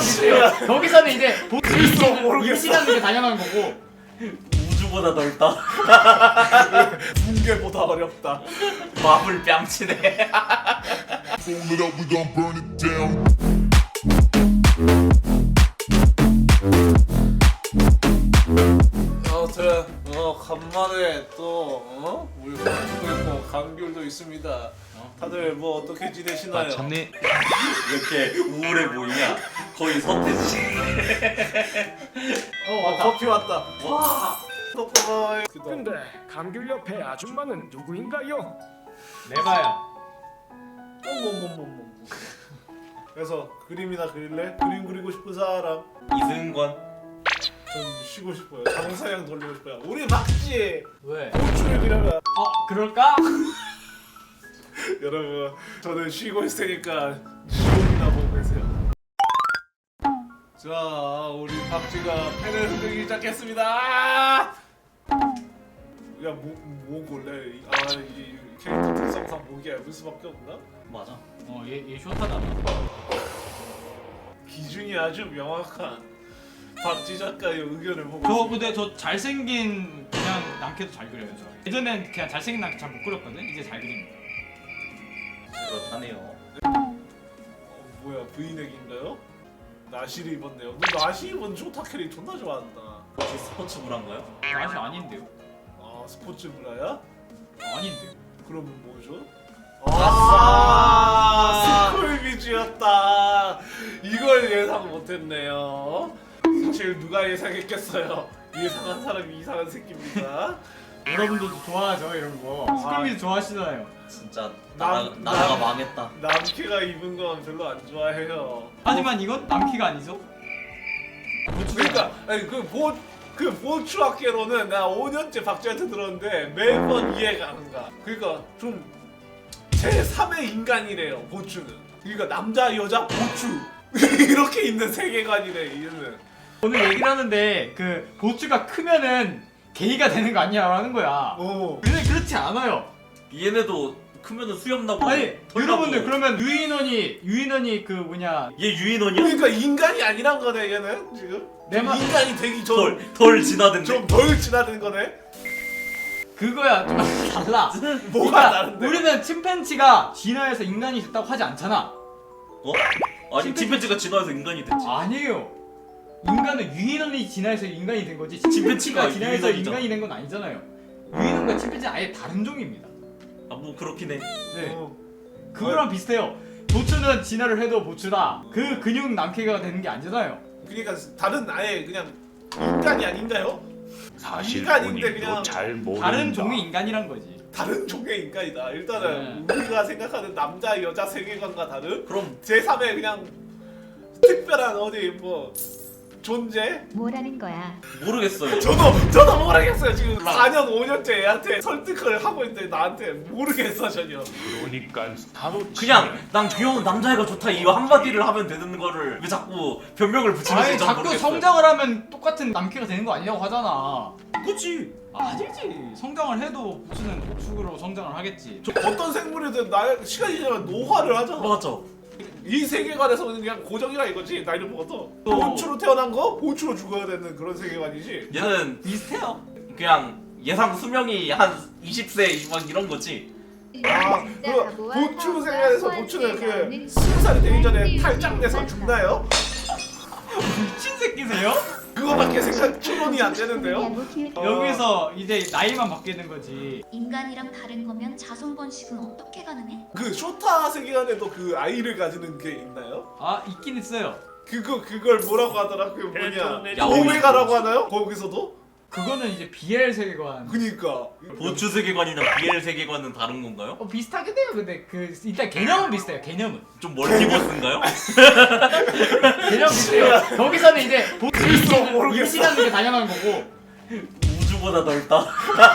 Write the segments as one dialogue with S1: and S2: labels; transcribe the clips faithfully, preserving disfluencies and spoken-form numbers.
S1: 비슷해요. 거기서는 이제
S2: 글쎄 모르겠어.
S1: 임신하는 게 당연한 거고.
S3: 우주보다 넓다.
S2: 붕괴보다 어렵다.
S3: 마블 뺨치네.
S4: Fold it up, we gon' burn it down.
S2: 아무튼 어 간만에 또 어? 우리 방송도 있고 감귤도 있습니다. 다들 뭐 어떻게 지내시나요?
S5: 마참니
S3: 이렇게 우울해 보이냐? 거의 서태지.
S2: 어 왔다. 커피 왔다.
S3: 와.
S2: 떡볶이.
S6: 근데 감귤 옆에 아줌마는 누구인가요?
S1: 내봐요.
S2: 어머머머머. 그래서 그림이나 그릴래? 그림 그리고 싶은 사람.
S3: 이승권.
S2: 좀 쉬고 싶어요. 장사양 돌리고 싶어요. 우리 박지.
S1: 왜?
S2: 호출이라면.
S1: 어 그럴까?
S2: 여러분 저는 쉬고 있으니까 쉬고나 보고 계세요. 자 우리 박쥐가 펜을 흔들기 시작했습니다. 야뭐 뭐 골래? 아이 캐릭터 특성상 목이 얇을 수밖에 없나?
S3: 맞아.
S1: 어얘얘 쇼타잖아.
S2: 기준이 아주 명확한 박쥐 작가의 의견을 보고
S1: 저
S2: 있습니다.
S1: 근데 저 잘생긴 그냥 남캐도 잘 그려요 저. 예전엔 그냥 잘생긴 남캐 잘 못 그렸거든. 이제 잘 그립니다.
S3: 그렇다네요.
S2: 어, 뭐야 브이넥인가요? 나시를 입었네요. 너 나시 입은 쇼타캐리 존나 좋아한다.
S3: 혹시 스포츠 브라인가요?
S1: 아시 아닌데요?
S2: 아 스포츠 브라야?
S1: 아닌데요?
S2: 그러면 뭐죠?
S3: 아싸!
S2: 아 스쿨비즈였다. 이걸 예상 못했네요. 사실 누가 예상했겠어요? 예상한 사람이 이상한 새끼입니다.
S1: 여러분들도 좋아하죠 이런 거. 스쿨미즈 좋아하시잖아요.
S3: 진짜
S2: 남-
S3: 나라 나라가
S2: 남-
S3: 망했다.
S2: 남캐가 입은 건 별로 안 좋아해요.
S1: 하지만 이건 남캐가 아니죠?
S2: 그러니까 아니 그보 그 보추학계로는 나 오 년째 박쥐한테 들었는데 매번 이해가 안 가. 그러니까 좀 제삼의 인간이래요 보추는. 그러니까 남자 여자 보추 이렇게 있는 세계관이래 얘는.
S1: 오늘 얘기를 하는데 그 보츠가 크면은 게이가 되는 거 아니야 하는 거야.
S2: 어.
S1: 근데 그렇지 않아요.
S3: 얘네도 크면은 수염 나고.
S1: 아니
S3: 털
S1: 여러분들
S3: 나고.
S1: 그러면 유인원이 유인원이 그 뭐냐
S3: 얘 유인원이야?
S2: 그러니까 인간이 아니란 거네 얘는 지금.
S1: 내 말-
S2: 인간이 되기
S3: 덜 덜 지나든데.
S2: 좀 덜 지나는 거네.
S1: 그거야 좀 달라.
S2: 뭐가
S1: 그러니까
S2: 다른데?
S1: 우리는 침팬지가 진화해서 인간이 됐다고 하지 않잖아.
S3: 어? 아니
S1: 침팬지-
S3: 침팬지가 진화해서 인간이 됐지.
S1: 아니에요. 인간은 유인원이 진화해서 인간이 된 거지.
S3: 침팬지가
S1: 침팬지가 진화해서
S3: 유인원이잖아.
S1: 인간이 된 건 아니잖아요. 유인원과 침팬지는 아예 다른 종입니다.
S3: 아 뭐 그렇긴 해.
S1: 네.
S2: 어.
S1: 그거랑 비슷해요. 보츠는 진화를 해도 보츠다. 그 근육 남캐가 되는 게 아니잖아요.
S2: 그러니까 다른 아예 그냥 인간이 아닌가요?
S5: 사실
S2: 인간인데
S5: 본인도
S2: 그냥
S5: 잘 모른다.
S1: 다른 종의 인간이란 거지.
S2: 다른 종의 인간이다. 일단은
S1: 네.
S2: 우리가 생각하는 남자 여자 세계관과 다른
S3: 그럼
S2: 제삼의 그냥 특별한 어디 뭐 존재?
S7: 뭐라는 거야?
S3: 모르겠어요.
S2: 저도 저도 모르겠어요. 지금 사 년 오 년째 애한테 설득을 하고 있는데 나한테 모르겠어 전혀.
S5: 그러니까 바로
S3: 그냥 난 귀여운 남자애가 좋다 이 한마디를 하면 되는 거를 왜 자꾸 변명을 붙이는지
S1: 아니
S3: 전
S1: 자꾸
S3: 모르겠어요.
S1: 성장을 하면 똑같은 남캐가 되는 거 아니냐고 하잖아.
S3: 그치.
S1: 아니지. 성장을 해도 보츠는 보축으로 성장을 하겠지.
S2: 어떤 생물이든 나 시간이 지나면 노화를 하잖아.
S3: 맞아.
S2: 이 세계관에서는 그냥 고정이라 이거지. 나이를 먹어도
S3: 또-
S2: 보추로 태어난 거 보추로 죽어야 되는 그런 세계관이지.
S3: 얘는
S1: 비슷해요.
S3: 그냥 예상 수명이 한 이십 세 막 이런 거지.
S2: 아, 그 보추 세계관에서 보추는 그 스무 살이 되기 전에 탈장돼서 죽나요?
S1: 미친 새끼세요?
S2: 그거밖에 생각 추론이 안 되는데요. 어.
S1: 여기서 이제 나이만 바뀌는 거지.
S7: 인간이랑 다른 거면 자손 번식은 어떻게 가능해?
S2: 그 쇼타 세계관에도 그 아이를 가지는 게 있나요?
S1: 아 있긴 있어요.
S2: 그거 그걸 뭐라고 하더라? 그 뭐냐?
S3: 야옹이.
S2: 오메가라고 하나요? 거기서도?
S1: 그거는 이제 비엘 세계관.
S2: 그니까.
S3: 보추 세계관이나 비엘 세계관은 다른 건가요?
S1: 어 비슷하긴 해요. 근데 그 일단 개념은 비슷해요. 개념은.
S3: 좀 멀티버스인가요?
S1: 개념 비슷해요. 거기서는 이제
S2: 글쎄 모르겠어.
S1: 임신하는 게 당연한 거고.
S3: 우주보다 넓다.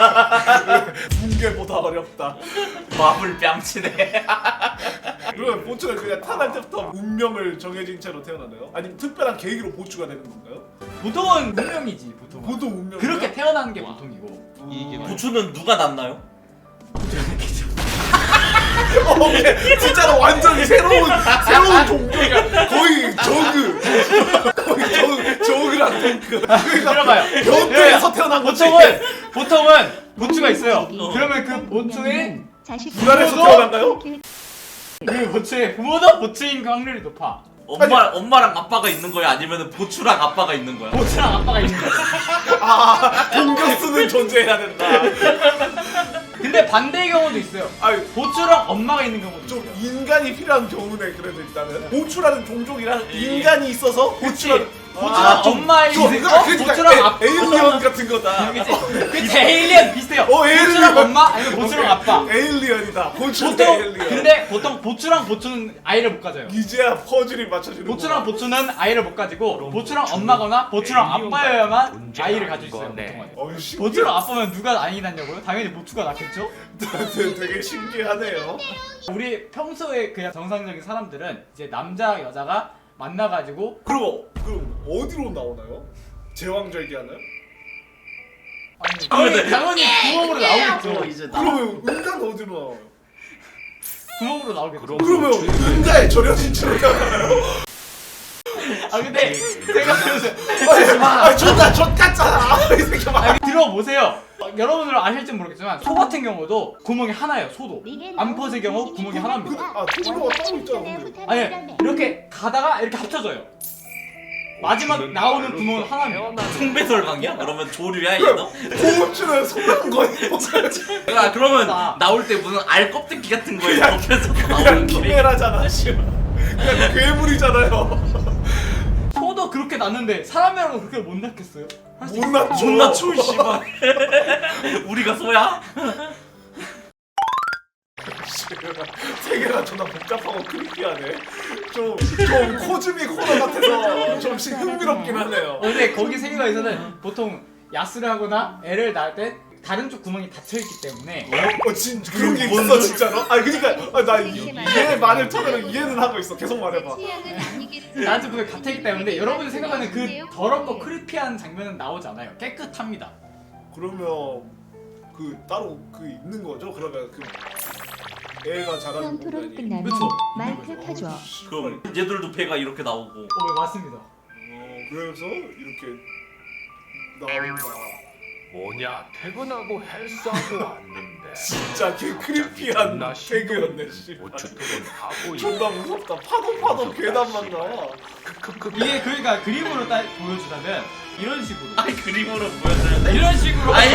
S2: 붕괴보다 어렵다.
S3: 마블 뺨치네.
S2: 그러면 보추는 그냥 태어날 때부터 운명을 정해진 채로 태어나나요? 아니면 특별한 계기로 보추가 되는 건가요?
S1: 보통은 운명이지 보통.
S2: 보통 운명.
S1: 그렇게 태어나는 게 보통이고.
S5: 이게
S3: 보추는 누가 낳나요?
S2: 어, 오케이. 진짜로 완전히 새로운 새로운 종족이야. 거의 저그. 거의 저그 저그랑 덩크. 그러니까
S1: 들어봐요.
S2: 변태에서 태어난 거지.
S1: 보통은 보통은 보추가 있어요. 그러면 그 보추의
S2: 불안해서
S1: 부모도-
S2: 태어난가요?
S1: 그 보추의 부모도 보추인 확률이 높아.
S3: 엄마 엄마랑 아빠가 있는 거야 아니면 보추랑 아빠가 있는 거야?
S1: 보추랑 아빠가 있는 거야.
S2: 아, 공격수는 존재해야 된다.
S1: 근데 반대의 경우도 있어요.
S2: 아유,
S1: 보추랑 엄마가 있는 경우도
S2: 좀
S1: 있어요.
S2: 인간이 필요한 경우네. 그래도 일단은 보추라는 종족이랑 인간이 있어서 보추라는
S1: 보추랑
S2: 아, 좀-
S1: 엄마의
S2: 좀
S1: 있고
S2: 그러니까 그러니까
S1: 보추랑
S2: 에-
S1: 아빠.
S2: 에일리언 같은 거다.
S1: 그치? 그치 에일리언 비슷해요.
S2: 어, 에일리언.
S1: 보추랑 엄마 아니면 보추랑 아빠.
S2: 에일리언이다. 보추
S1: 보통
S2: 에일리언.
S1: 근데 보통 보추랑 보추는 아이를 못 가져요.
S2: 이제야 퍼즐이 맞춰주는
S1: 보추랑
S2: 거야.
S1: 보추는 아이를 못 가지고 보추랑 엄마거나 보추랑 아빠여야만 아이를 가질 수 있어요. 보통은.
S2: 어이, 신기해.
S1: 보추랑 아빠면 누가 아이 낳냐고요? 당연히 보추가 낳겠죠?
S2: 되게 신기하네요.
S1: 우리 평소에 그냥 정상적인 사람들은 이제 남자 여자가 만나가지고
S2: 그럼 그럼 어디로 나오나요? 제왕절개 하나요?
S1: 아니
S3: 아,
S1: 거의
S3: 네.
S1: 당연히 구멍으로 나오겠죠.
S3: 이제 나
S2: 그러면 은간 어디로 나와요?
S1: 구멍으로 나오겠죠.
S2: 그러면 은가의 절여진 채로 나와요?
S1: 아 근데 생각해보세요.
S2: 아, 존나 존 같잖아. 이 새끼 봐.
S1: 아, 들어보세요. 어, 여러분들은 아실지 모르겠지만 소 같은 경우도 구멍이 하나예요. 소도. 암컷의 경우 구멍이 하나입니다.
S2: 아, 토블로가 따로 있잖아. 근데.
S1: 아니 이렇게 가다가 이렇게 합쳐져요. 마지막 나오는 구멍은 하나입니다.
S3: 송배설방이야? 그러면 조류야 얘도?
S2: 고무줄은 소난 거예요.
S3: 야 그러면
S1: 아.
S3: 나올 때 무슨 알 껍데기 같은 거에
S2: 그냥-
S3: 덮여서
S2: 그냥
S3: 나오는 게
S2: 키메라잖아. 씨발. 그냥 괴물이잖아요.
S1: 소도 그렇게 낳는데 사람이라고 그렇게 못 낳겠어요? 할수
S2: 못
S1: 있-
S2: 낳죠.
S3: 못 낮춰 씨발. 우리가 소야?
S2: 세계가 존나 복잡하고 크리피하네. 좀, 좀 코즈미 코너 같아서 좀 시- 흥미롭긴 하네요.
S1: 어, 근데 거기 세계관에서는 보통 야스를 하거나 애를 낳을 때 다른 쪽 구멍이 닫혀있기 때문에
S2: 어, 진 그런 게 있어 진짜로? 아 그러니까 아, 나얘 말을 토대로 이해는 하고 있어. 계속 말해봐.
S1: 다른 쪽 구멍이 닫혀있기 때문에 여러분이 생각하는 그 더럽고 크리피한 장면은 나오지 않아요. 깨끗합니다.
S2: 그러면 그 따로 그 있는 거죠? 그러면 그 애가 자라는
S8: 토론
S2: 공간이.
S8: 끝나면
S1: 그쵸.
S8: 마이크 켜줘.
S3: 그럼 얘들도 배가 이렇게 나오고.
S1: 어, 네, 맞습니다.
S2: 어, 그래서 이렇게 나온다.
S5: 뭐냐 퇴근하고 헬스하고 왔는데
S2: 진짜 개 크리피한 개그였네. 씨.
S5: 오추토는 하고
S2: 존나 무섭다. 파도 파도 괴담만 나와.
S1: 이게 그러니까 그림으로 딱 보여주자면 이런 식으로
S3: 아니 그림으로 보여줘야 돼?
S1: 이런 식으로
S3: 아니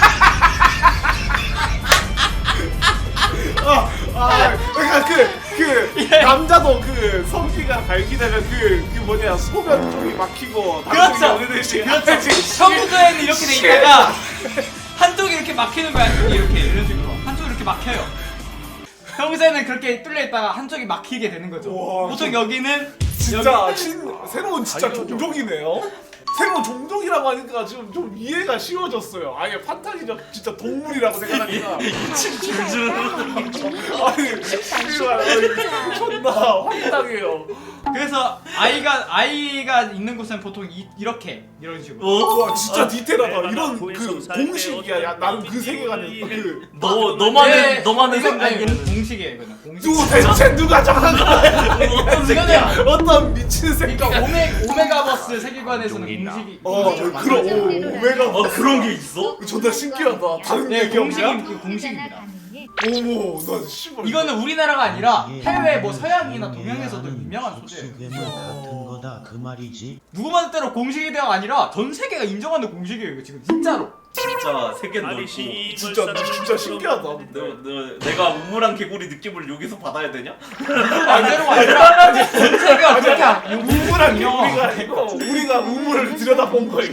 S2: 아, 아, 그러니까 그, 그 남자도 그 성기가 발기되면 그, 그 뭐냐 소변 쪽이 막히고
S1: 그렇죠.
S2: 그렇지.
S1: 그렇죠. 평소에는 이렇게 돼 있다가 한쪽이 이렇게 막히는 거야. 한쪽이 이렇게 이런 식으로 한쪽이 이렇게 막혀요. 평소에는 그렇게 뚫려 있다가 한쪽이 막히게 되는 거죠.
S2: 우와,
S1: 보통
S2: 진-
S1: 여기는
S2: 진짜
S1: 여기-
S2: 신, 새로운 진짜 종족이네요. 새로운 종족이라고 하니까 지금 좀 이해가 쉬워졌어요. 아예 판타지적 진짜 동물이라고 생각하니까.
S3: 줄줄.
S2: 아니 씨발 아니, 존나 황당해요.
S1: 그래서 아이가 아이가 있는 곳은 보통 이, 이렇게 이런 식으로.
S3: 어?
S2: 와 진짜 디테일하다. 이런 그 공식이야. 야, 나는 그 세계관에 그
S3: 너 너만의
S1: 네,
S3: 너만의
S1: 이건- 아니,
S3: 생각이.
S1: 공- 공식이에요, 이거는 공식.
S2: 누구 대체 누가 정한 거야?
S3: 어떤 새끼야?
S1: 이거는
S2: 어떤 미친 새끼가.
S1: 그러니까 오메 오메가버스 세계관에서는 공식이
S2: 어
S1: 공식으로
S2: 그럼
S1: 만들어져요.
S2: 오, 오메가
S3: 어 그런 게 있어?
S2: 존나 신기하다. 다른
S1: 네,
S2: 얘기
S1: 공식이
S2: 없냐?
S1: 그 공식입니다.
S2: 어머 나 씨발.
S1: 이거는 우리나라가 아니라 해외 뭐 서양이나 동양에서도 유명한 소재예요.
S9: 괴물 같은 거다 그 말이지.
S1: 누구만 뜻대로 공식이 대가 아니라 전 세계가 인정하는 공식이에요, 이거 지금 진짜로.
S3: 진짜 세계 넓고.
S2: 진짜 진짜 신기하다.
S3: 너, 너, 내가 우물한 개구리 느낌을 여기서 받아야 되냐?
S1: 반대로가 아니라 전 세계가 그렇게 안-
S2: 우물한
S1: 인정.
S2: 개구리가 아니고 우리가 우물을 들여다본 거예요.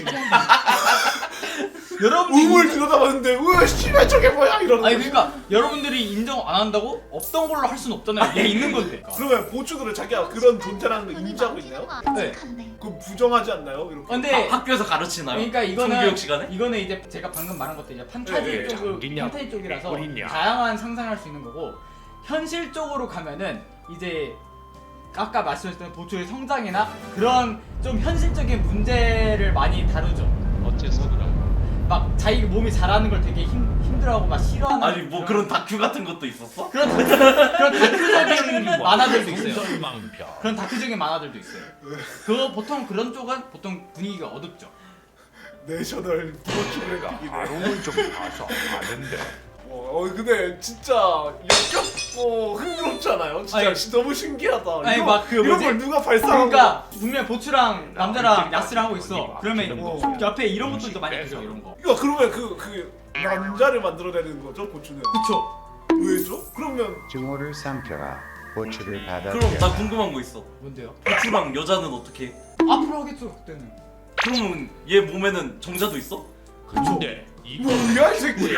S1: 여러분들이
S2: 우물 들여다봤는데 우와 씨발 저게 뭐야 이러는
S1: 아니
S2: 거지.
S1: 그러니까 여러분들이 인정 안 한다고 없던 걸로 할 수는 없잖아요. 얘 있는 건데.
S2: 그러면 보추들은 자기가 그런 존재라는 걸 인지하고 있나요?
S1: 네.
S2: 그럼 부정하지 않나요? 이렇게.
S1: 근데
S3: 학- 학교에서 가르치나요?
S1: 그러니까 이거는
S3: 성교육 시간에?
S1: 이거는 이제 제가 방금 말한 것도 이제 판타지
S2: 네, 네.
S1: 쪽으로
S5: 장기냐,
S1: 판타지 쪽이라서
S5: 개구리냐.
S1: 다양한 상상할 수 있는 거고 현실적으로 가면은 이제 아까 말씀하셨던 보초의 성장이나 그런 좀 현실적인 문제를 많이 다루죠.
S5: 어째서 그런가
S1: 막 자기 몸이 자라는 걸 되게 힘 힘들어 사람들하고 막 싫어하는
S3: 아니 뭐 그런 다큐 같은 것도 있었어?
S1: 그런 다큐, 그런 다큐적인 만화들도 있어요.
S5: 공설망표.
S1: 그런 다큐적인 만화들도 있어요. 그 보통 그런 쪽은 보통 분위기가 어둡죠.
S2: 내셔널 브로추를 이네
S5: 바로는 좀 봐서 아는데.
S2: 어, 어 근데 진짜 역겹고 흥미롭잖아요. 진짜
S1: 아니,
S2: 진- 너무 신기하다.
S1: 아니,
S2: 이거,
S1: 막그
S2: 이런
S1: 뭐지?
S2: 걸 누가 발사한
S1: 그러니까 분명 보추랑 남자랑 야스를 하고 있어.
S5: 어.
S1: 그러면
S2: 어.
S1: 옆에 이런 것들도 많이 있어 이런 거.
S2: 이거 그러면 그, 그 남자를 만들어내는 거죠 보추는?
S1: 그쵸?
S2: 왜죠? 그러면
S8: 증오를 삼켜라. 보초를 받아들여.
S3: 그럼 나 궁금한 거 있어.
S1: 뭔데요?
S3: 고추랑 여자는 어떻게 해?
S1: 앞으로 하겠죠 그때는.
S3: 그러면 얘 몸에는 정자도 있어?
S5: 근데 이
S2: 뭐야 이 새끼?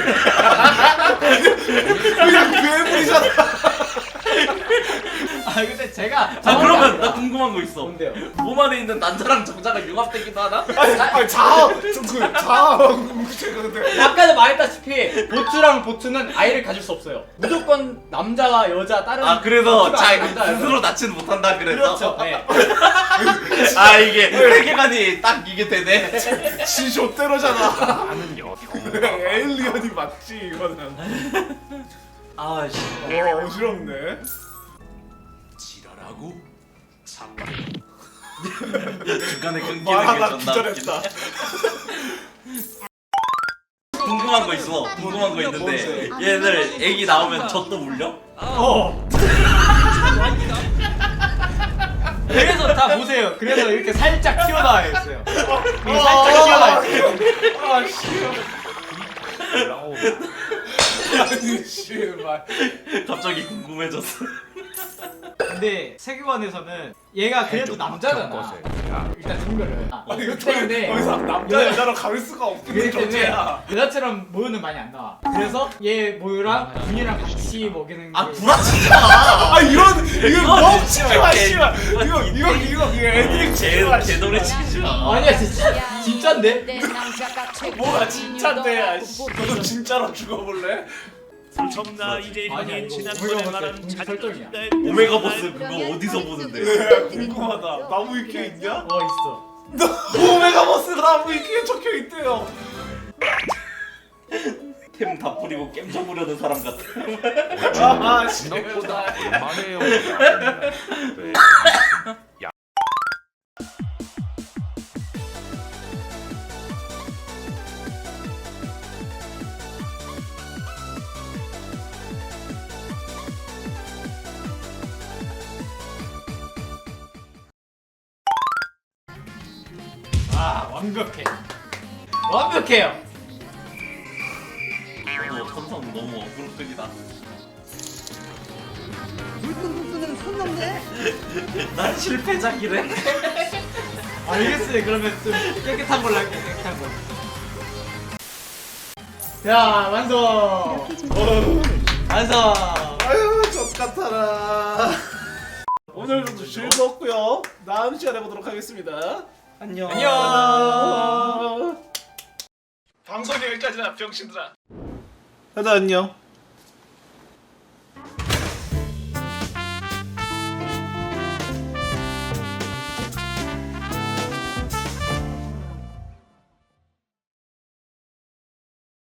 S2: 그냥 괴물이잖아.
S1: 아 근데 제가
S3: 아 그러면 나 궁금한 거 있어.
S1: 뭔데요?
S3: 몸 안에 있는 남자랑 정자가 융합되기도 하나?
S2: 아니, 아니 자아 좀그 자아 제가 근데
S1: 아까도 말했다시피 보추랑 보추는 아이를 가질 수 없어요. 무조건 남자와 여자 다른
S3: 아 그래서
S1: 보추가
S3: 자
S1: 아니라 남자예요.
S3: 스스로 낳지는 못한다 그래서.
S1: 그렇죠. 네.
S3: 아 이게 세계관이 딱 이게 되네.
S2: 지쇼대로잖아.
S5: 나는 여
S2: 에일리언이 맞지 이거는.
S3: 아씨.
S2: 와 어지럽네.
S3: 지랄하고 중간에 끊기는 게
S2: 말하다
S3: 존나
S2: 기절했다.
S3: 웃기네. 궁금한 거 있어. 궁금한 거 있는데 얘들 애기 나오면 젖도 물려?
S1: 어. 그래서 다 보세요. 그래서 이렇게 살짝 튀어나와 있어요. 이게 살짝 튀어나와 있어요.
S2: 아씨.
S5: 올라오면
S2: 아니 씨발.
S3: 갑자기 궁금해졌어.
S1: 근데 세계관에서는 얘가 그래도 남자잖아. 일단 증거를. 아,
S2: 아니
S1: 그렇기
S2: 저
S1: 때문에
S2: 더 이상 남자 여자로 가릴 수가 없는
S1: 그렇기 때문에
S2: 존재야.
S1: 여자처럼 모유는 많이 안 나와. 그래서 얘 모유랑 분이랑 같이 먹이는 게.
S3: 아 구라치지 마.
S2: 아 이런 이거 멍치지 마
S3: 개-
S2: 씨발. 이거 이거 이거 이거 애들이
S3: 개
S2: 마
S3: 개노래 치지 마.
S1: 아니야 진짜 진짜인데?
S2: 뭐가 진짜인데 아씨. 너도 진짜로 죽어볼래?
S10: 나 이제
S1: 아니야
S10: 형이
S1: 이거
S10: 지난번에
S1: 오메가
S10: 말한
S1: 버스 공식 설정이야.
S3: 오메가 버스 그거 어디서 보는데?
S2: 네, 궁금하다. 나무 위키에 있냐?
S1: 어 있어.
S2: 오메가 버스가 나무 위키에 적혀 있대요.
S3: 템 다 뿌리고 겜 쳐부려는 사람 같아.
S2: 아 씨.
S5: 생각보다 얼마네요.
S1: 아 완벽해. 완벽해요.
S3: 너 천성 너무 어그로적이다. 난 실패작이래.
S1: 알겠어요. 그러면 좀 깨끗한 걸로 할게. 깨끗한 거. 자 완성. 완성.
S2: 아유 젖 같아라. 오늘도 즐거웠고요. 다음 시간에 보도록 하겠습니다.
S3: 안녕.
S1: 안녕.
S2: 방송이 여기까지나 병신들아. 다들 안녕.